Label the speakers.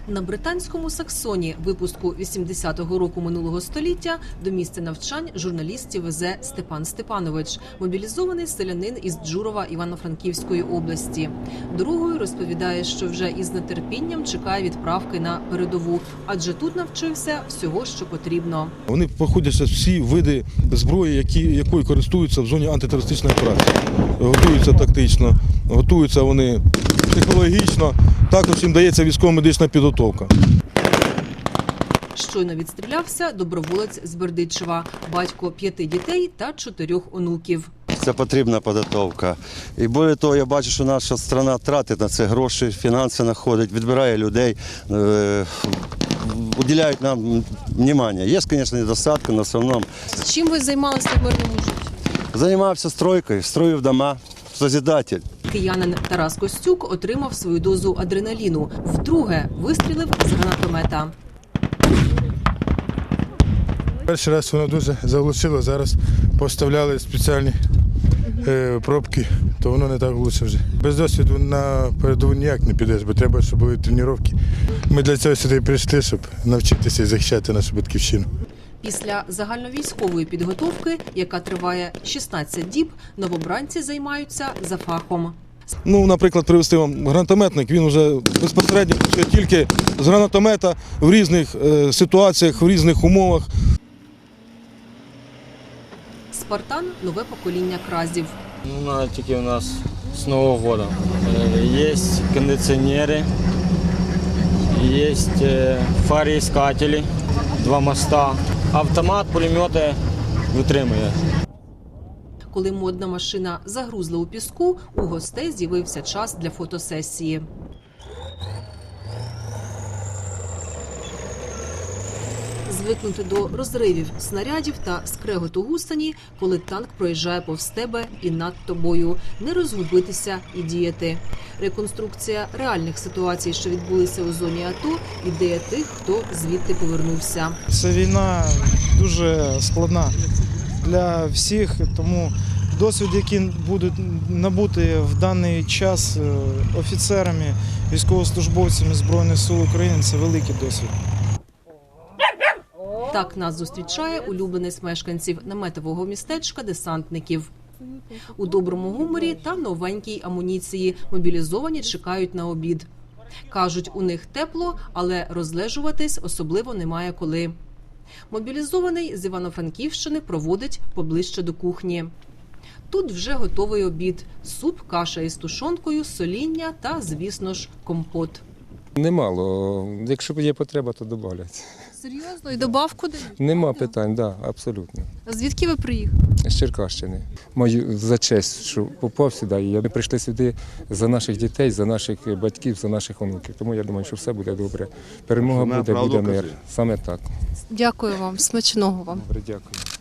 Speaker 1: На британському Саксоні випуску 80-го року минулого століття до місця навчань журналістів везе Степан Степанович, мобілізований селянин із Джурова Івано-Франківської області. Дорогою розповідає, що вже із нетерпінням чекає відправки на передову, адже тут навчився всього, що потрібно.
Speaker 2: Вони проходять всі види зброї, якою користуються в зоні антитерористичної операції. Готуються тактично, готуються вони психологічно, також їм дається військово-медична підготовка.
Speaker 1: Щойно відстрілявся доброволець з Бердичева, батько 5 дітей та 4 онуків.
Speaker 3: Це потрібна підготовка. І більше того, я бачу, що наша країна тратить на це гроші, фінанси знаходить, відбирає людей, уділяють нам увагу. Є, звісно, недостатки, але в основному.
Speaker 1: Чим ви займалися в мирному житті?
Speaker 3: Займався стройкою, строїв дома, созидатель.
Speaker 1: Киянин Тарас Костюк отримав свою дозу адреналіну. Вдруге вистрілив з гранатомета.
Speaker 4: Перший раз воно дуже заглушило, зараз поставляли спеціальні пробки, то воно не так влучше вже. Без досвіду на передову ніяк не підеш, бо треба, щоб були тренування. Ми для цього сюди прийшли, щоб навчитися і захищати нашу батьківщину.
Speaker 1: Після загальновійськової підготовки, яка триває 16 діб, новобранці займаються за фахом.
Speaker 2: Наприклад, привезти вам гранатометник, він вже безпосередньо працює тільки з гранатомета в різних ситуаціях, в різних умовах.
Speaker 1: «Спартан» – нове покоління кразів.
Speaker 5: Тільки у нас з Нового року. Є кондиціонери, є фароіскателі, 2 моста, автомат, пулемети витримує.
Speaker 1: Коли модна машина загрузла у піску, у гостей з'явився час для фотосесії. Звикнути до розривів снарядів та скреготу гусені, коли танк проїжджає повз тебе і над тобою. Не розгубитися і діяти. Реконструкція реальних ситуацій, що відбулися у зоні АТО, ідея тих, хто звідти повернувся.
Speaker 6: Ця війна дуже складна для всіх, тому досвід, який будуть набути в даний час офіцерами, військовослужбовцями Збройних сил України, це великий досвід.
Speaker 1: Так нас зустрічає улюбленець мешканців наметового містечка десантників. У доброму гуморі та новенькій амуніції мобілізовані чекають на обід. Кажуть, у них тепло, але розлежуватись особливо немає коли. Мобілізований з Івано-Франківщини проводить поближче до кухні. Тут вже готовий обід – суп, каша із тушонкою, соління та, звісно ж, компот.
Speaker 7: Немало. Якщо є потреба, то добавлять.
Speaker 1: Серйозно? І добавку дають?
Speaker 7: Нема питань, так, абсолютно.
Speaker 1: Звідки ви приїхали?
Speaker 7: З Черкащини. Маю за честь, що попав сюди. І ми прийшли сюди за наших дітей, за наших батьків, за наших онуків. Тому я думаю, що все буде добре. Перемога буде мир. Саме так.
Speaker 1: Дякую вам. Смачного вам.
Speaker 7: Добре, дякую.